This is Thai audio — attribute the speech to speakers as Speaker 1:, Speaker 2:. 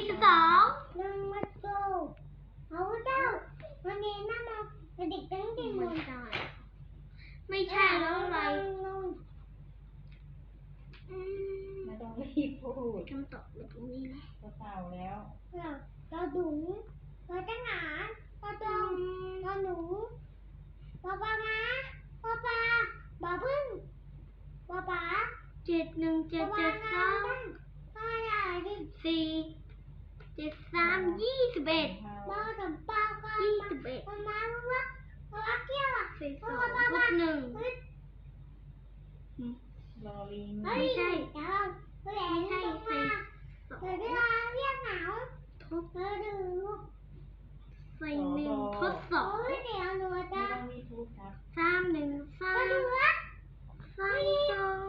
Speaker 1: 22
Speaker 2: นั่งมาโตเอาเจ้าวันนี้นั่งมาเด็กตั้งแต่หมด
Speaker 1: ไม่ใช่แล้วอะไร
Speaker 3: ไม่ต้องรีบพูด
Speaker 1: คำตอบอยู่ตรงนี้นะ
Speaker 3: จะเต่าแล้ว
Speaker 2: เราดุงเราจะหงานเราตรงเราหนูเราปลาม้าเราปลาบ่าพึ่งบ่าป๋า
Speaker 1: 71773 21
Speaker 2: บ่ากับปลาปลาปลาม้าว่าว่าเที่ยวอ่ะ
Speaker 1: 42+1
Speaker 3: รอลิง
Speaker 2: ไม่ใช่เดี๋ยวไม่ใช่ใส่เดี๋ยวเวลาเรียกหนาว
Speaker 1: ทด
Speaker 2: เราดู
Speaker 1: ใส่1ทดสอบ
Speaker 2: เดี๋ยวหนู
Speaker 3: ไม่
Speaker 2: จะ
Speaker 3: ต้องรีบพูดครับ
Speaker 1: 3 1
Speaker 2: เราดู
Speaker 1: 3
Speaker 2: ว่า
Speaker 1: 3 2